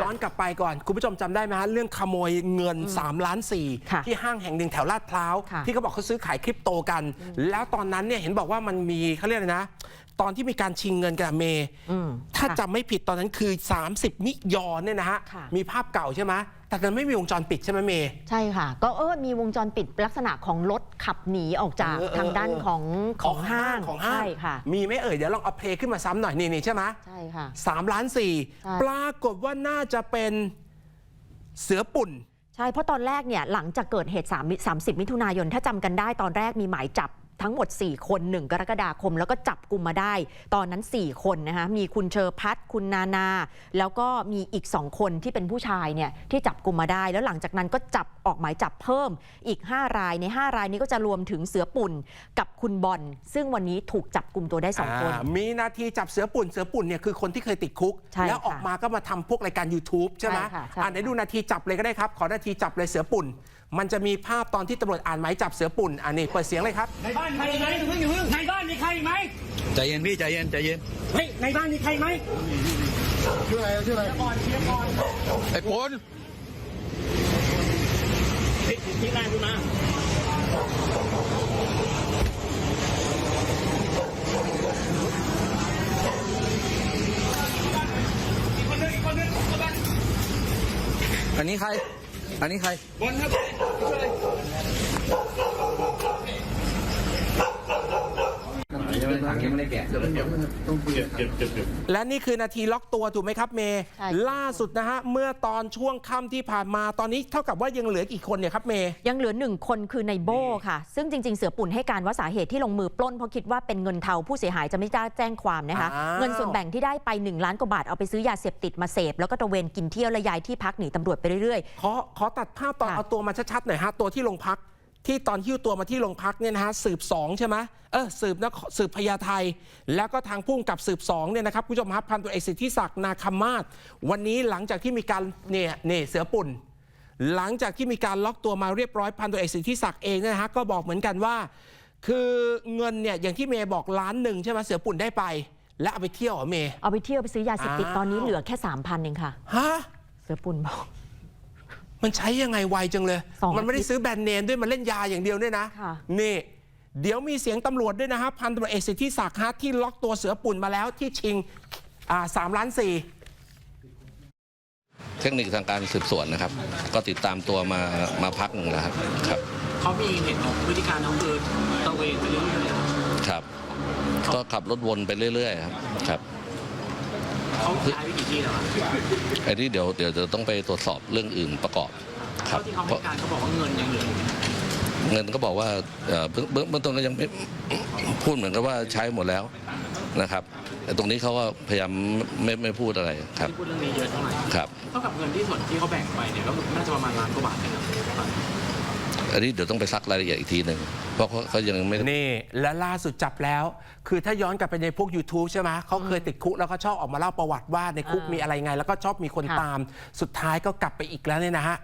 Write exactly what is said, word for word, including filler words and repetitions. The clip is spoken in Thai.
อนกลับไปก่อนคุณผู้ชมจำได้ไหมฮะเรื่องขโมยเงินสามล้านสี่ที่ห้างแห่งหนึ่งแถวลาดพร้าวที่เขาบอกเขาซื้อขายคริปโตกันแล้วตอนนั้นเนี่ยเห็นบอกว่ามันมีเขาเรียกอะไรนะตอนที่มีการชิงเงินกับเมย์ถ้าจำไม่ผิดตอนนั้นคือสามสิบมิยอนเนี่ยนะฮะมีภาพเก่าใช่ไหมแต่มันไม่มีวงจรปิดใช่ไหมเมย์ใช่ค่ะก็เออมีวงจรปิดลักษณะของรถขับหนีออกจากทางด้านของของห้างของห้างค่ะมีไหมเอ่ยเดี๋ยวลองเอาเพลงขึ้นมาซ้ำหน่อยนี่นี่ใช่ไหมใช่ค่ะสามล้านสี่ปรากฏว่าน่าจะเป็นเสือปุ่นใช่เพราะตอนแรกเนี่ยหลังจากเกิดเหตุสามสิบมิถุนายนถ้าจำกันได้ตอนแรกมีหมายจับทั้งหมดสี่คนหนึ่งกรกฎาคมแล้วก็จับกลุ่มมาได้ตอนนั้นสี่คนนะคะมีคุณเชอพัฒน์คุณนานาแล้วก็มีอีกสองคนที่เป็นผู้ชายเนี่ยที่จับกลุ่มมาได้แล้วหลังจากนั้นก็จับออกหมายจับเพิ่มอีกห้ารายในห้ารายนี้ก็จะรวมถึงเสือปุ่นกับคุณบอลซึ่งวันนี้ถูกจับกลุ่มตัวได้สองคนมีนาทีจับเสือปุ่นเสือปุ่นเนี่ยคือคนที่เคยติดคุกแล้วออกมาก็มาทำพวกรายการ YouTube ใช่ไหมอ่าไหนดูนาทีจับเลยก็ได้ครับขอนาทีจับเลยเสือปุ่นมันจะมีภาพตอนที่ตำรวจอ่านหมายจับเสือปุ่นอันนี้เปิดเสียงเลยครับในบ้านมีใครไหมในบ้านมีใครไหมใจเย็นพี่ใจเย็นใจเย็นเฮ้ยในบ้านมีใครไหมชื่ออะไรชื่ออะไรก่อนเชียร์ก่อนไอ้ปนที่แรกคุณมาอันนี้ใครอันนี้ใครบอลครับและนี่คือนาทีล็อกตัวถูกไหมครับเมย์ล่าสุดนะฮะเมื่อตอนช่วงค่ำที่ผ่านมาตอนนี้เท่ากับว่ายังเหลือกี่คนเนี่ยครับเมย์ยังเหลือหนึ่งคนคือในโบ้ค่ะซึ่งจริงๆเสือปุ่นให้การว่าสาเหตุที่ลงมือปล้นเพราะคิดว่าเป็นเงินเทาผู้เสียหายจะไม่ได้แจ้งความนะคะเงินส่วนแบ่งที่ได้ไปหนึ่งล้านกว่าบาทเอาไปซื้อยาเสพติดมาเสพแล้วก็ตระเวนกินเที่ยวและย้ายที่พักหนีตำรวจไปเรื่อยๆขอขอตัดภาพตอนเอาตัวมาชัดๆหน่อยฮะตัวที่โรงพักที่ตอนหิ้วตัวมาที่โรงพักเนี่ยนะฮะสืบสองใช่ไหมเออสืบนะสืบพญาไทแล้วก็ทางพุ่งกับสืบสองเนี่ยนะครับผู้ชมครับพันตำรวจเอกสิทธิศักดิ์นาคมาศวันนี้หลังจากที่มีการเนี่ยเนี่ยเสือปุ่นหลังจากที่มีการล็อกตัวมาเรียบร้อยพันตำรวจเอกสิทธิศักดิ์เองนะฮะก็บอกเหมือนกันว่าคือเงินเนี่ยอย่างที่เมย์บอกล้านหนึ่งใช่ไหมเสือปุ่นได้ไปแล้วเอาไปเที่ยวเหรอเมย์เอาไปเที่ยวไปซื้อยาเสพติดตอนนี้เหลือแค่สามพันเองค่ะฮะเสือปุ่นบอกมันใช้ยังไงไวจังเลยมันไม่ได้ซื้อแบรนด์เนมด้วยมันเล่นยาอย่างเดียวด้วยนะนี่เดี๋ยวมีเสียงตำรวจด้วยนะครับพันตำรวจเอกสิทธิศักดิ์ฮะที่ล็อกตัวเสือปุ่นมาแล้วที่ชิงอ่าสามล้านสี่เทคนิคทางการสืบสวนนะครับก็ติดตามตัวมามาพักหนึ่งแล้วครับครับเขามีเห็นของพฤติการเขาคือตะเวนไปเรื่อยๆครับก็ขับรถวนไปเรื่อยๆครับครับเขาใช้วิธีที่แล้วไอ้ที่เดี๋ยวเดี๋ยวจะต้องไปตรวจสอบเรื่องอื่นประกอบครับที่เขาให้การเขาบอกว่าเงินยังเหลือเงินก็บอกว่าเบื้องเบื้องต้นก็ยังไม่พูดเหมือนกับว่าใช้หมดแล้วนะครับแต่ตรงนี้เขาก็พยายามไม่ไม่พูดอะไรครับพูดเรื่องนี้เยอะเท่าไหร่ครับเท่ากับเงินที่ส่วนที่เขาแบ่งไปเนี่ยก็น่าจะประมาณล้านกว่าบาทนะครับอันนี้เดี๋ยวต้องไปซักรายละเอียดอีกทีหนึ่งเพราะเขายังไม่นี่และล่าสุดจับแล้วคือถ้าย้อนกลับไปในพวก YouTube ใช่ไหมเขาเคยติดคุกแล้วก็ชอบออกมาเล่าประวัติว่าในคุกมีอะไรไงแล้วก็ชอบมีคนตามสุดท้ายก็กลับไปอีกแล้วเนี่ยนะฮะ